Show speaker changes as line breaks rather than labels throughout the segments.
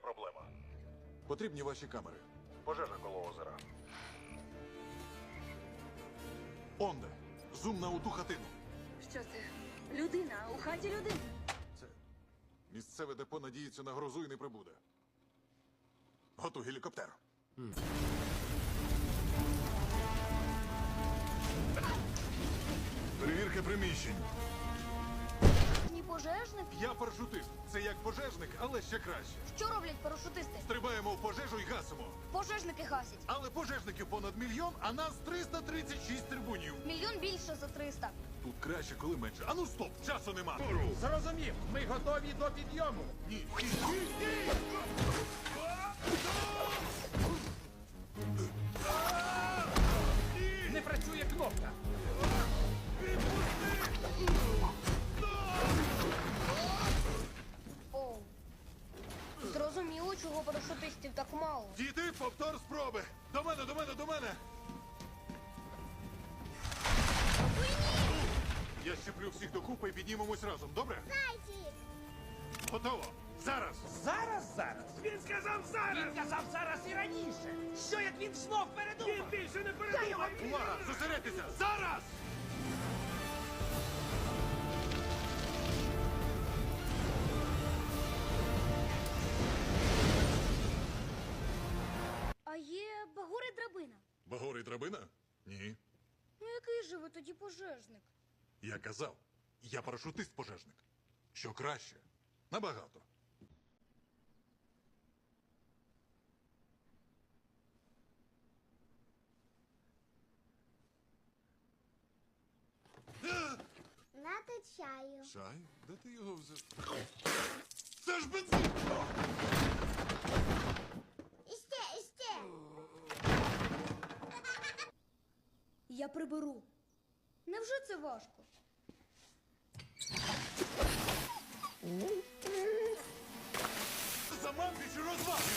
проблема.
Потрібні ваші камери.
Пожежа коло озера.
Онде, зум на оту хатину.
Що це? Людина, у хаті людина.
Це місцеве депо надіється на грозу і не прибуде. Готуй гелікоптер. Перевірка приміщень.
Ні пожежник?
Я парашутист. Це як пожежник, але ще краще.
Що роблять парашутисти?
Стрибаємо в пожежу і гасимо.
Пожежники гасять.
Але пожежників понад 1 мільйон, а нас 336 трибунів.
Мільйон більше за 300.
Тут краще, коли менше. Ану стоп, часу нема.
Зрозумів, ми готові до підйому.
Ні, ні, ні, ні!
Не працює кнопка.
Оу. Зрозуміло, чого парашутистів так мало.
Діти, повтор спроби. До мене, до мене, до мене. Я щеплю всіх докупи і піднімемось разом, добре? Готово. Зараз.
Зараз. Він сказав зараз. Він казав зараз і раніше. Що як він знов передумав? Він більше не передумав.
Увага, зосередьтеся. Зараз!
А є багури драбина.
Багорий драбина? Ні.
Ну який же ви тоді пожежник?
Я казав, я парашутист-пожежник. Що краще? Набагато.
Нате чаю.
Чай? Де ти його взяв? Це ж бензин!
Іще.
Я приберу. Невже це важко?
Заманки чи розваги?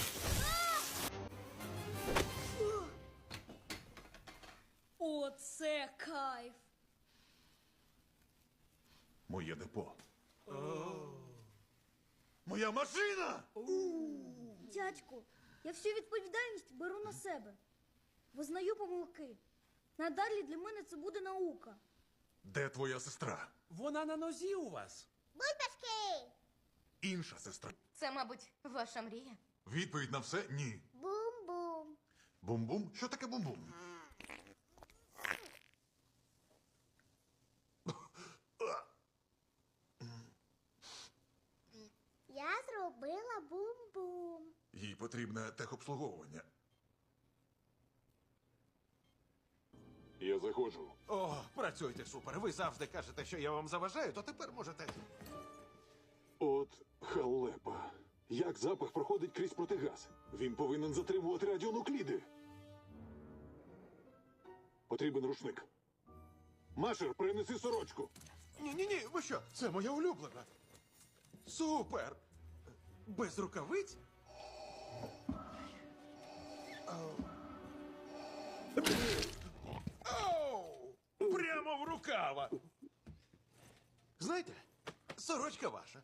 Оце кайф.
Моє депо. Моя машина!
Дядьку, я всю відповідальність беру на себе. Визнаю помилки. Надалі для мене це буде наука.
Де твоя сестра?
Вона на нозі у вас.
Бульбашки.
Інша сестра.
Це, мабуть, ваша мрія.
Відповідь на все ні.
Бум-бум.
Бум-бум? Що таке бум-бум?
Я зробила бум-бум.
Їй потрібне техобслуговування. Я заходжу.
О, працюйте супер. Ви завжди кажете, що я вам заважаю, то тепер можете.
От халепа. Як запах проходить крізь протигаз? Він повинен затримувати радіонукліди. Потрібен рушник. Машер, принеси сорочку.
Ні, ви що? Це моя улюблена. Супер! Без рукавиць? Оу! Прямо в рукава. Знаєте, сорочка ваша.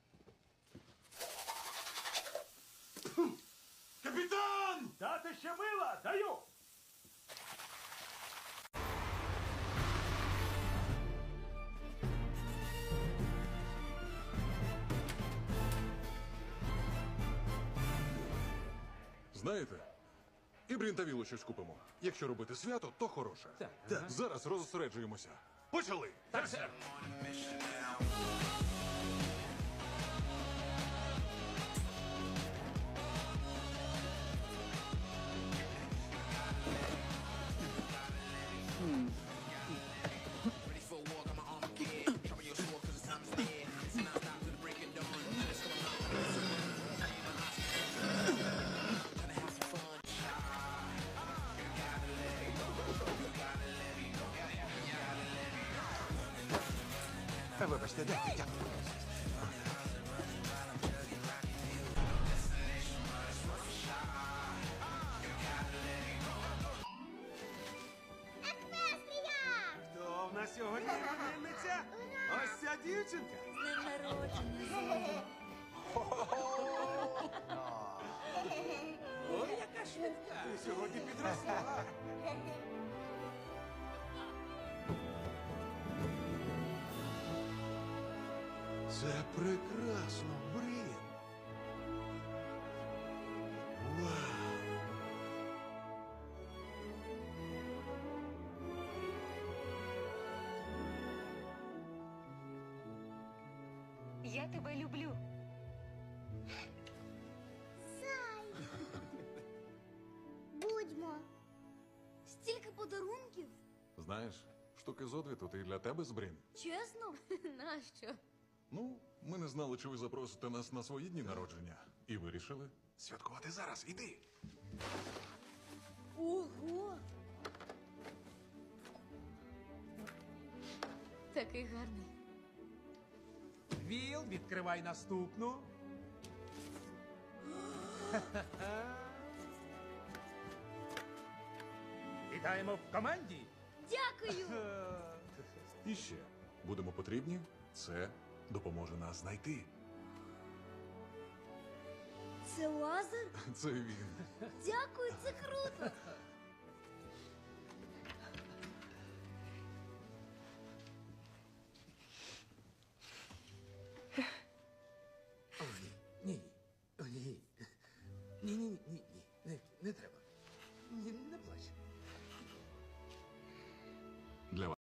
Капітан!
Дати ще мила, даю.
Знаєте, і брінтавілу щось купимо. Якщо робити свято, то хороше. Так. Зараз розосереджуємося. Почали!
Так, сер.
Вибачте, дякую.
Еквестрія!
Хто в нас сьогодні іменинниця? Ось ця дівчинка.
З днем народження, Зоя.
сьогодні підросла. Це прекрасно, Брін. Вау.
Я тебе люблю.
Зай. Будьмо.
Стільки подарунків.
Знаєш, штуки зо дві тут і для тебе з Брін.
Чесно?
Нащо?
Ну, ми не знали, чи ви запросите нас на свої дні народження. І вирішили святкувати зараз. Іди.
Ого!
Такий гарний.
Віл, відкривай наступну. Вітаємо в команді.
Дякую!
І ще будемо потрібні. Це допоможе нас знайти.
Це лазер?
Це він.
Дякую, це круто!